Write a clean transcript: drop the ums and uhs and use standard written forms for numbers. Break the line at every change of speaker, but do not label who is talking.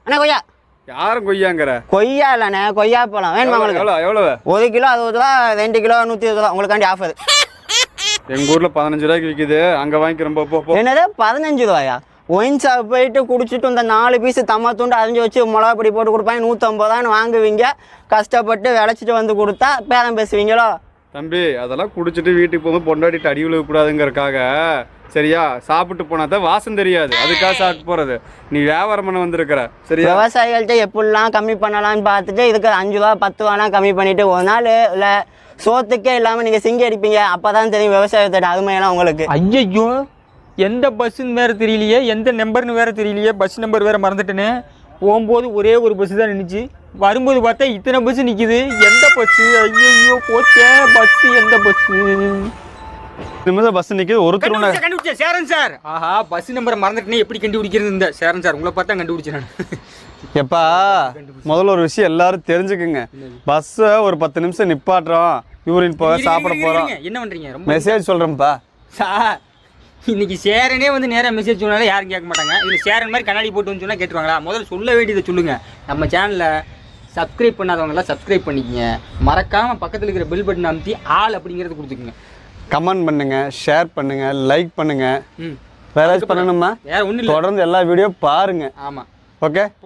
அண்ணா கொய்யா.
யாரும் கொய்யாங்கிற?
கொய்யா இல்லண்ணே, கொய்யா பழம் வேணுமா உங்களுக்கு?
எவ்வளவு?
1 கிலோ 60 ரூபா, 2 கிலோ 120 ரூபா. உங்களுக்காண்டி ஆஃபர்.
எங்க ஊர்ல 15 ரூபாய்க்கு விற்குது, அங்க வாங்கிக்கிறோம். போ.
என்னது 15 ரூபாயா? ஒயின் ஷாப் போயிட்டு குடிச்சிட்டு இந்த 4 பீஸ் தம்மா தூண்டு அரிஞ்சு வச்சு மிளகா பொடி போட்டு கொடுப்பாங்க, 150 ரூபான்னு வாங்குவீங்க. கஷ்டப்பட்டு விளைச்சிட்டு வந்து கொடுத்தா பேரம் பேசுவீங்களோ?
தம்பி, அதெல்லாம் குடிச்சிட்டு வீட்டுக்கு போகும்போது பொண்டாட்டிட்டு அடி விழுகக்கூடாதுங்கிறக்காக, சரியா? சாப்பிட்டு போனா தான் வாசம் தெரியாது, அதுக்காக சாப்பிட்டு போறது. நீ வியாபாரம் பண்ண வந்திருக்கிற, சரியா?
விவசாயிகள்கிட்ட எப்படிலாம் கம்மி பண்ணலாம்னு பார்த்துட்டு இதுக்கு 5 ரூபா 10 ரூபாலாம் கம்மி பண்ணிட்டு ஒரு நாள் இல்லை சோத்துக்கே இல்லாமல் நீங்கள் சிங்கி அடிப்பீங்க. அப்போ தான் தெரியும் விவசாயத்தோட அருமையெல்லாம் உங்களுக்கு.
ஐயோ, எந்த பஸ்ஸுன்னு வேறு தெரியலையே, எந்த நம்பர்னு வேறு தெரியலையே, பஸ் நம்பர் வேறு மறந்துட்டேன்னு. போகும்போது ஒரே ஒரு பஸ்ஸு தான் நின்றுச்சு, வரும்போது பார்த்தா இத்தனை பஸ்ஸு நிற்கிது. எந்த பஸ்ஸு? ஐயோ போச்சே, பஸ்ஸு எந்த பஸ்ஸு?
நிமிஷம் பஸ் நிற்கிது. ஒருத்தர்
கண்டுபிடிச்சேன், சேரன் சார். ஆஹா, பஸ் நம்பரை மறந்துட்டேனே, எப்படி கண்டுபிடிக்கிறது? இந்த சேரன் சார் உங்களை பார்த்தா கண்டுபிடிச்சேன் நான்.
எப்பா, முதல்ல ஒரு விஷயம் எல்லாரும் தெரிஞ்சுக்குங்க. பஸ்ஸை ஒரு 10 நிமிஷம் நிப்பாட்டுறோம், யூரின் போக சாப்பிட போகிறோம்.
என்ன பண்ணுறீங்க? ரொம்ப
மெசேஜ் சொல்கிறேன்ப்பா
சார். இன்னைக்கு சேரனே வந்து நேராக மெசேஜ் சொன்னாலும் யாரும் கேட்க மாட்டாங்க. இதில் சேரன் மாதிரி கண்ணாடி போட்டு வந்து சொன்னால் கேட்டுருவாங்களா? முதல்ல சொல்ல வேண்டியதை சொல்லுங்கள். நம்ம சேனலில் சப்ஸ்கிரைப் பண்ணாதவங்களாம் சப்ஸ்கிரைப் பண்ணிக்கங்க. மறக்காமல் பக்கத்தில் இருக்கிற பெல் பட்டன் அமுத்தி ஆல் அப்படிங்கிறது கொடுத்துக்குங்க.
கமெண்ட் பண்ணுங்க, ஷேர் பண்ணுங்க, லைக் பண்ணுங்க. வேற ஏதாச்சும் பண்ணணுமா?
வேற ஒன்றும் இல்லை,
தொடர்ந்து எல்லா வீடியோ பாருங்க.
ஆமாம்,
ஓகே.